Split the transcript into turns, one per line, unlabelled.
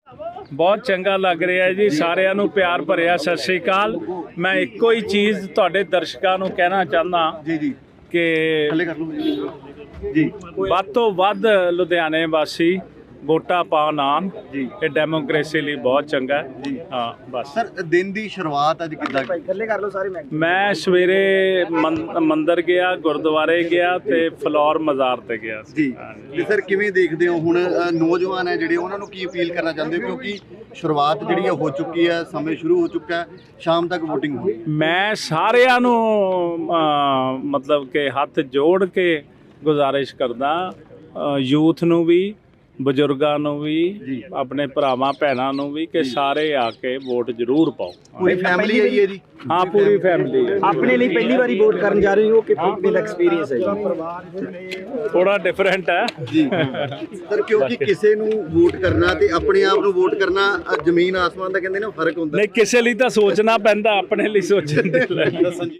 ਬਹੁਤ ਚੰਗਾ ਲੱਗ ਰਿਹਾ ਜੀ। ਸਾਰਿਆਂ ਨੂੰ ਪਿਆਰ ਭਰਿਆ ਸਤਿ ਸ੍ਰੀ ਅਕਾਲ। ਮੈਂ ਇੱਕੋ ਹੀ ਚੀਜ਼ ਤੁਹਾਡੇ ਦਰਸ਼ਕਾਂ ਨੂੰ ਕਹਿਣਾ ਚਾਹੁੰਦਾ
ਜੀ
ਕਿ
ਥੱਲੇ ਕਰ ਲਓ ਜੀ।
ਵੱਧ ਤੋਂ ਵੱਧ ਲੁਧਿਆਣੇ ਵਾਸੀ ਵੋਟਾਂ ਪਾਉਣ ਆਉਣ
ਜੀ।
ਇਹ ਡੈਮੋਕ੍ਰੇਸੀ ਲਈ ਬਹੁਤ ਚੰਗਾ ਹੈ
ਜੀ।
ਹਾਂ ਬਸ।
ਸਰ ਦਿਨ ਦੀ ਸ਼ੁਰੂਆਤ ਅੱਜ ਕਿੱਦਾਂ
ਥੱਲੇ ਕਰ ਲਓ ਸਾਰੇ
ਮੈਂ ਸਵੇਰੇ ਮੰਦਿਰ ਗਿਆ, ਗੁਰਦੁਆਰੇ ਗਿਆ ਤੇ ਫਲੋਰ ਮਜ਼ਾਰ ਤੇ ਗਿਆ ਸੀ।
ਜੀ ਤੇ ਸਰ ਕਿਵੇਂ ਦੇਖਦੇ ਹੋ ਹੁਣ ਨੌਜਵਾਨ ਹੈ ਜਿਹੜੇ ਉਹਨਾਂ ਨੂੰ ਕੀ ਅਪੀਲ ਕਰਨਾ ਚਾਹੁੰਦੇ ਹੋ, ਕਿਉਂਕਿ ਸ਼ੁਰੂਆਤ ਜਿਹੜੀ ਹੈ ਹੋ ਚੁੱਕੀ ਹੈ, ਸਮੇਂ ਸ਼ੁਰੂ ਹੋ ਚੁੱਕਾ ਹੈ, ਸ਼ਾਮ ਤੱਕ VOTING ਹੋਣੀ।
ਮੈਂ ਸਾਰਿਆਂ ਨੂੰ ਮਤਲਬ ਕਿ ਹੱਥ ਜੋੜ ਕੇ ਗੁਜ਼ਾਰਿਸ਼ ਕਰਦਾ, ਯੂਥ ਨੂੰ ਵੀ, ਬਜ਼ੁਰਗਾਂ ਨੂੰ ਵੀ, ਆਪਣੇ ਭਰਾਵਾਂ ਭੈਣਾਂ ਨੂੰ ਵੀ, ਕਿ ਸਾਰੇ ਆ ਕੇ ਵੋਟ ਜ਼ਰੂਰ ਪਾਓ।
ਪੂਰੀ ਫੈਮਿਲੀ ਆਈ ਹੈ ਜੀ?
ਹਾਂ ਪੂਰੀ ਫੈਮਿਲੀ ਹੈ।
ਆਪਣੇ ਲਈ ਪਹਿਲੀ ਵਾਰੀ ਵੋਟ ਕਰਨ ਜਾ ਰਹੇ ਹੋ ਕਿ ਕਿਵੇਂ ਦਾ ਐਕਸਪੀਰੀਅੰਸ ਹੈ ਜੀ?
ਥੋੜਾ ਡਿਫਰੈਂਟ ਹੈ
ਜੀ ਸਰ, ਕਿਉਂਕਿ ਕਿਸੇ ਨੂੰ ਵੋਟ ਕਰਨਾ ਤੇ ਆਪਣੇ ਆਪ ਨੂੰ ਵੋਟ ਕਰਨਾ ਜ਼ਮੀਨ ਆਸਮਾਨ ਦਾ ਕਹਿੰਦੇ ਨੇ ਫਰਕ ਹੁੰਦਾ।
ਨਹੀਂ, ਕਿਸੇ ਲਈ ਤਾਂ ਸੋਚਣਾ ਪੈਂਦਾ, ਆਪਣੇ ਲਈ ਸੋਚਣ ਦੇ ਲਈ।